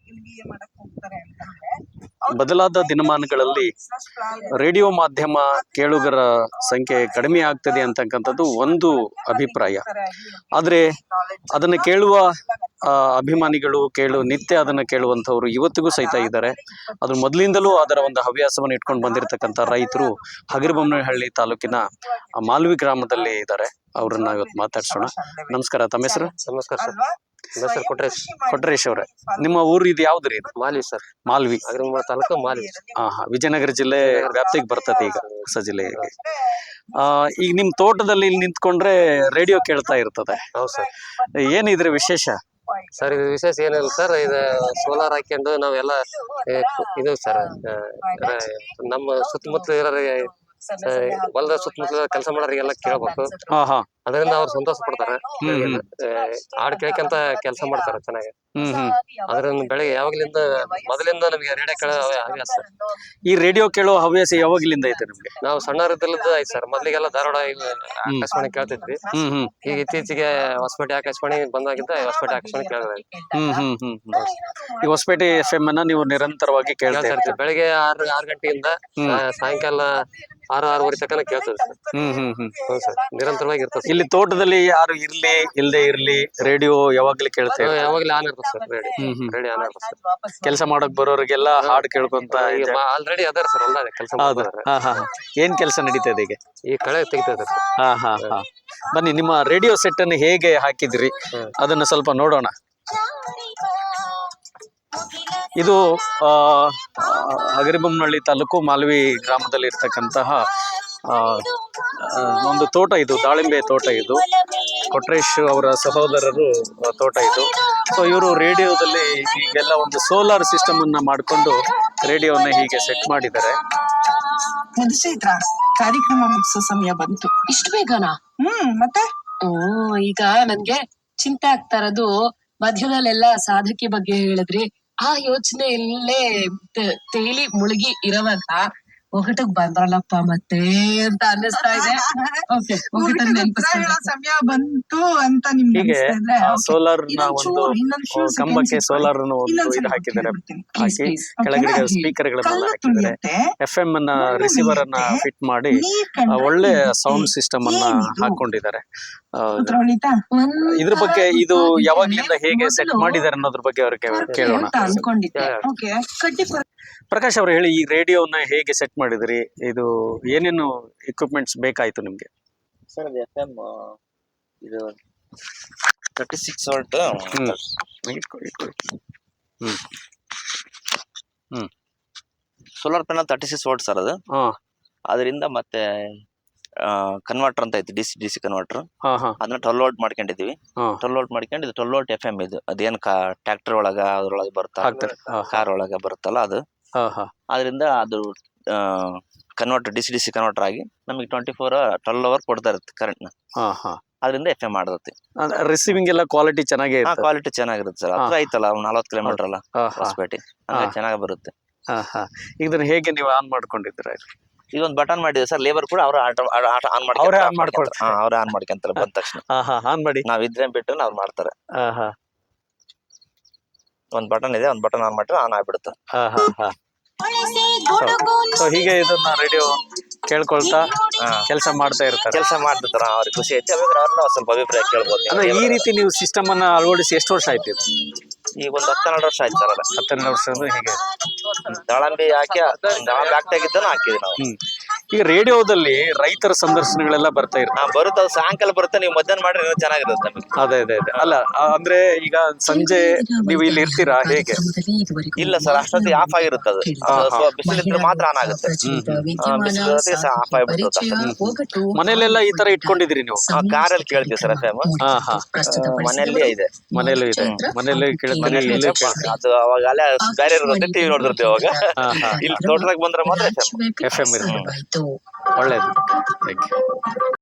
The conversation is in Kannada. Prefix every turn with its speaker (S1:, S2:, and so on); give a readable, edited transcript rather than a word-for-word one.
S1: MBA ಮಾಡಕ್ ಹೋಗ್ತಾರೆ ಅಂತಂದ್ರೆ
S2: ಬದಲಾದ ದಿನಮಾನಗಳಲ್ಲಿ ರೇಡಿಯೋ ಮಾಧ್ಯಮ ಕೇಳುಗರ ಸಂಖ್ಯೆ ಕಡಿಮೆ ಆಗ್ತದೆ ಅಂತಕ್ಕಂಥದ್ದು ಒಂದು ಅಭಿಪ್ರಾಯ. ಆದರೆ ಅದನ್ನು ಕೇಳುವ ಅಭಿಮಾನಿಗಳು ನಿತ್ಯ ಅದನ್ನು ಕೇಳುವಂಥವ್ರು ಇವತ್ತಿಗೂ ಸಹಿತ ಇದ್ದಾರೆ. ಅದು ಮೊದಲಿಂದಲೂ ಅದರ ಒಂದು ಹವ್ಯಾಸವನ್ನು ಇಟ್ಕೊಂಡು ಬಂದಿರತಕ್ಕಂಥ ರೈತರು ಹಗರಿಬೊಮ್ಮನಹಳ್ಳಿ ತಾಲೂಕಿನ ಮಾಲ್ವಿ ಗ್ರಾಮದಲ್ಲಿ ಇದ್ದಾರೆ. ಅವ್ರನ್ನ ಇವತ್ತು ಮಾತಾಡ್ಸೋಣ. ನಮಸ್ಕಾರ, ತಮ್ಮ ಹೆಸರು?
S3: ನಮಸ್ಕಾರ ಸರ್, ನನ್ನ ಹೆಸರು
S2: ಕೊಟ್ರೇಶ್ ಅವರೇ. ನಿಮ್ಮ ಊರು ಇದು ಯಾವ್ದು ರೀ?
S3: ಮಾಲ್ವಿ ಸರ್,
S2: ಮಾಲ್ವಿ
S3: ತಾಲೂಕು ಮಾಲ್ವಿ.
S2: ವಿಜಯನಗರ ಜಿಲ್ಲೆ ವ್ಯಾಪ್ತಿಗೆ ಬರ್ತದೆ ಈಗ, ಹೊಸ ಜಿಲ್ಲೆಗೆ. ಈಗ ನಿಮ್ ತೋಟದಲ್ಲಿ ಇಲ್ಲಿ ನಿಂತ್ಕೊಂಡ್ರೆ ರೇಡಿಯೋ ಕೇಳ್ತಾ ಇರ್ತದೆ.
S3: ಹೌದು ಸರ್.
S2: ಏನಿದ್ರೆ ವಿಶೇಷ?
S3: ಸರ್ ಇದು ವಿಶೇಷ ಏನಿಲ್ಲ ಸರ್, ಇದು ಸೋಲಾರ್ ಹಾಕೊಂಡು ನಾವೆಲ್ಲ ಇದು ಸರ್ ನಮ್ಮ ಸುತ್ತಮುತ್ತಲು ಇರೋರಿಗೆ ಹೊಲದ ಸುತ್ತಮುತ್ತಲ ಕೆಲಸ ಮಾಡೋರಿಗೆಲ್ಲ ಕೇಳ್ಬೇಕು. ಅದರಿಂದ ಅವ್ರು ಸಂತೋಷ ಪಡ್ತಾರೆ. ಹಾಡು ಕೇಳ್ಕೊಂತ ಕೆಲಸ ಮಾಡ್ತಾರೆ ಚೆನ್ನಾಗಿ. ಅದರಿಂದ ಬೆಳಿಗ್ಗೆ ಯಾವಾಗ್ಲಿಂದ ಮೊದಲಿಂದ ನಮಗೆ ರೇಡಿಯೋ ಕೇಳೋ ಹವ್ಯಾಸ.
S2: ಈ ರೇಡಿಯೋ ಕೇಳೋ ಹವ್ಯಾಸ ಯಾವಾಗ್ಲಿಂದ ಐತೆ ನಿಮ್ಗೆ?
S3: ನಾವು ಸಣ್ಣವರಿದ್ದಲ್ಲಿದ್ದು ಆಯ್ತು ಸರ್. ಮೊದ್ಲಿಗೆಲ್ಲ ಧಾರವಾಡ ಆಕಾಶವಾಣಿ ಕೇಳ್ತಿದ್ವಿ. ಈಗ ಇತ್ತೀಚೆಗೆ ಹೊಸಪೇಟೆ ಆಕಾಶವಾಣಿ ಬಂದಾಗಿದ್ದ ಹೊಸಪೇಟೆ ಆಕಾಶವಾಣಿ ಕೇಳಿದ್ವಿ.
S2: ಈ ಹೊಸಪೇಟೆ FM ಅನ್ನ ನೀವು ನಿರಂತರವಾಗಿ ಕೇಳ್ತಾ ಇರ್ತೀವಿ.
S3: ಬೆಳಿಗ್ಗೆ 6 ಗಂಟೆಯಿಂದ ಸಾಯಂಕಾಲ 6-6:30 ತನಕ ಕೇಳ್ತದೆ ಸರ್. ನಿರಂತರವಾಗಿ ಇರ್ತದೆ.
S2: ಇಲ್ಲಿ ತೋಟದಲ್ಲಿ ಯಾರು ಇರ್ಲಿ ಇಲ್ಲದೆ ಇರ್ಲಿ ರೇಡಿಯೋ ಯಾವಾಗ್ಲೂ ಕೇಳ್ತೇವೆ.
S3: ಯಾವಾಗ್ಲೂ ಆನ್ ಇರ್ತದೆ ಸರ್ ರೇಡಿಯೋ ಆನ್ ಇರ್ತದೆ ಸರ್.
S2: ಕೆಲಸ ಮಾಡಕ್ ಬರೋರಿಗೆಲ್ಲ ಹಾಡು ಕೇಳ್ಕೊಂತ
S3: ಆಲ್ರೆಡಿ ಅದಾರ ಸರ್ ಎಲ್ಲ ಕೆಲಸ.
S2: ಏನ್ ಕೆಲಸ ನಡೀತದೆ ಈಗ?
S3: ಈ ಕಳೆ ತೆಗಿತದೆ ಸರ್.
S2: ಬನ್ನಿ, ನಿಮ್ಮ ರೇಡಿಯೋ ಸೆಟ್ ಅನ್ನು ಹೇಗೆ ಹಾಕಿದ್ರಿ ಅದನ್ನ ಸ್ವಲ್ಪ ನೋಡೋಣ. ಇದು ಹಗರಿಬೊಮ್ಮನಹಳ್ಳಿ ತಾಲೂಕು ಮಾಲ್ವಿ ಗ್ರಾಮದಲ್ಲಿ ಇರ್ತಕ್ಕಂತಹ ಒಂದು ತೋಟ. ಇದು ದಾಳಿಂಬೆ ತೋಟ. ಇದು ಕೊಟ್ರೇಶ್ ಅವರ ಸಹೋದರರು ತೋಟ ಇದು. ಸೊ ಇವರು ರೇಡಿಯೋದಲ್ಲಿ ಈಗೆಲ್ಲ ಒಂದು ಸೋಲಾರ್ ಸಿಸ್ಟಮ್ ಅನ್ನ ಮಾಡಿಕೊಂಡು ರೇಡಿಯೋನ ಹೀಗೆ ಸೆಟ್ ಮಾಡಿದ್ದಾರೆ.
S1: ಕಾರ್ಯಕ್ರಮ ಮುಗಿಸೋ ಸಮಯ ಬಂತು.
S4: ಇಷ್ಟು ಬೇಗನಾ?
S1: ಮತ್ತೆ
S4: ಈಗ ನನ್ಗೆ ಚಿಂತೆ ಆಗ್ತಾ ಇರೋದು, ಮಧ್ಯದಲ್ಲೆಲ್ಲ ಸಾಧಕಿ ಬಗ್ಗೆ ಹೇಳಿದ್ರಿ, ಆ ಯೋಚನೆಯಲ್ಲೇ ತೇಲಿ ಮುಳುಗಿ ಇರುವಾಗ ಒಗಟಕ್ ಬಂದ್ರಲ್ಲಪ್ಪ ಮತ್ತೆ ಅಂತ ಅನ್ನಿಸ್ತಾ ಇದೆ.
S1: ಸಮಯ ಬಂತು ಅಂತ ನಿಮ್ಗೆ
S2: ಹೀಗೆ ಸೋಲಾರ್ ನ ಒಂದು ಕಂಬಕ್ಕೆ ಸೋಲಾರ್ ಇದು ಹಾಕಿದ್ದಾರೆ. ಹಾಕಿ ಕೆಳಗಡೆ ಸ್ಪೀಕರ್ ಗಳನ್ನೆಲ್ಲ ಹಾಕಿದ್ದಾರೆ. FM ಅನ್ನ ರಿಸೀವರ್ ಅನ್ನ ಫಿಟ್ ಮಾಡಿ ಒಳ್ಳೆ ಸೌಂಡ್ ಸಿಸ್ಟಮ್ ಅನ್ನ ಹಾಕೊಂಡಿದ್ದಾರೆ. ಇದ್ರ ಬಗ್ಗೆ ಇದು ಯಾವಾಗ್ಲಿಂದ ಹೇಗೆ ಸೆಟ್ ಮಾಡಿದ್ದಾರೆ ಅನ್ನೋದ್ರ ಬಗ್ಗೆ ಅವ್ರಿಗೆ ಕೇಳೋಣ. ಪ್ರಕಾಶ್ ಅವರು ಹೇಳಿ, ಈ ರೇಡಿಯೋನ ಹೇಗೆ ಸೆಟ್ ಮಾಡಿದ್ರಿ? ಇದು ಏನೇನು ಇಕ್ವಿಪ್ಮೆಂಟ್ಸ್ ಬೇಕಾಯ್ತು ನಿಮ್ಗೆ?
S5: ಸರ್ ಅದು FM ಇದು 36 volt solar panel 36 volt sir. ಅದು ಅದರಿಂದ ಮತ್ತೆ ಕನ್ವರ್ಟರ್ ಅಂತ ಐತಿ, DC ಕನ್ವರ್ಟರ್. ಅದನ್ನ 12 ವೋಲ್ಟ್ ಮಾಡ್ಕೊಂಡಿದೀವಿ. 12 ವೋಲ್ಟ್ ಮಾಡ್ಕೊಂಡು ಇದು 12 ವೋಲ್ಟ್ FM. ಇದು ಅದೇನ್ ಟ್ರ್ಯಾಕ್ಟರ್ ಒಳಗ ಅದ್ರೊಳಗೆ ಬರುತ್ತಲ್ಲ, ಕಾರ್ ಒಳಗ ಬರುತ್ತಲ್ಲ ಅದು. ಅದರಿಂದ ಅದು ಕನ್ವರ್ಟರ್ DC ಕನ್ವರ್ಟರ್ ಆಗಿ ನಮಗೆ 12 ಅವರ್ ಕೊಡ್ತಾ ಇರುತ್ತೆ ಕರೆಂಟ್ ನ. ಅದರಿಂದ FM ಮಾಡತ್ತೆ.
S2: ರಿಸೀವಿಂಗ್ ಎಲ್ಲ ಕ್ವಾಲಿಟಿ ಚೆನ್ನಾಗಿ
S5: ಕ್ವಾಲಿಟಿ ಚೆನ್ನಾಗಿರುತ್ತೆ ಸರ್. ಹತ್ರ ಐತಲ್ಲ, 40 ಕಿಲೋಮೀಟರ್ ಅಲ್ಲ ಹೊಸಪೇಟೆ, ಚೆನ್ನಾಗಿ ಬರುತ್ತೆ.
S2: ಇದನ್ನ ಹೇಗೆ ನೀವು ಆನ್ ಮಾಡ್ಕೊಂಡಿದ್ದೀರಾ?
S5: ಇದೊಂದು ಬಟನ್ ಮಾಡಿದ್ವಿ ಸರ್. ಲೇಬರ್ ಕೂಡ ಅವ್ರು ಆನ್ ಮಾಡ್ಕೊಂತಾರೆ ಬಂದ ತಕ್ಷಣ.
S2: ಆನ್ ಮಾಡಿ
S5: ನಾವಿದ್ರೆ ಬಿಟ್ಟು ಅವ್ರು ಮಾಡ್ತಾರೆ. ಒಂದ್ ಬಟನ್ ಇದೆ, ಒಂದ್ ಬಟನ್ ಆನ್ ಮಾಡಿದ್ರೆ ಆನ್ ಆಗ್ಬಿಡುತ್ತೆ.
S2: ಹೀಗೆ ಇದನ್ನ ರೇಡಿಯೋ ಕೇಳ್ಕೊಳ್ತಾ ಕೆಲಸ ಮಾಡ್ತಾ ಇರ್ತಾರೆ.
S5: ಅವ್ರಿಗೆ ಖುಷಿ ಐತಿ. ಅವ್ರನ್ನ ಸ್ವಲ್ಪ ಅಭಿಪ್ರಾಯ ಕೇಳ್ಬೋದು.
S2: ಅಂದ್ರೆ ಈ ರೀತಿ ನೀವು ಸಿಸ್ಟಮ್ ಅನ್ನ ಅಳವಡಿಸಿ ಎಷ್ಟು ವರ್ಷ ಆಯ್ತು?
S5: ಈಗ ಒಂದು 12 ವರ್ಷ ಆಯ್ತು ಸರ್.
S2: 12 ವರ್ಷ ಹೀಗೆ
S5: ದಾಳಂಬಿ ಹಾಕಿ ಹಾಕಿದ್ದನ್ನು ಹಾಕಿದ್ವಿ ನಾವು.
S2: ಈಗ ರೇಡಿಯೋದಲ್ಲಿ ರೈತರ ಸಂದರ್ಶನಗಳೆಲ್ಲ ಬರ್ತಾ ಇರ್ತಾರೆ.
S5: ಬರುತ್ತೆ, ಸಾಯಂಕಾಲ ಬರುತ್ತೆ. ನೀವು ಮಧ್ಯಾಹ್ನ ಮಾಡ್ರೆ ಇನ್ನೂ ಚೆನ್ನಾಗಿರುತ್ತೆ ನಮಗೆ.
S2: ಅದೇ ಅಲ್ಲ, ಅಂದ್ರೆ ಈಗ ಸಂಜೆ ನೀವು ಇಲ್ಲಿ ಇರ್ತೀರಾ ಹೇಗೆ?
S5: ಇಲ್ಲ ಸರ್, ಅಷ್ಟೊತ್ತಿಗೆ ಆಫ್ ಆಗಿರುತ್ತೆ. ಅದು ಬಿಸಿಲಿದ್ರೆ ಮಾತ್ರ ಆನ್ ಆಗುತ್ತೆ. ಬಿಸಿಲು ಆಫ್ ಆಗಿಬಿಡುತ್ತೆ.
S2: ಮನೇಲೆಲ್ಲ ಈ ತರ ಇಟ್ಕೊಂಡಿದ್ರಿ ನೀವು?
S5: ಕಾರಲ್ಲಿ ಕೇಳ್ತೀವಿ ಸರ್ FM. ಮನೆಯಲ್ಲಿ ಇದೆ.
S2: ಮನೆಯಲ್ಲಿ
S5: ಅದು ಅವಾಗ ಅಲ್ಲೇ ಬೇರೆ ಇರುತ್ತೆ, ಟಿವಿ ನೋಡ್ತಿರ್ತೀವಿ ಅವಾಗ. ಇಲ್ಲಿ ತೋಟದಾಗ ಬಂದ್ರೆ ಮಾತ್ರ FM
S2: ಇರುತ್ತೆ. ಒಳ್ಳೇದು.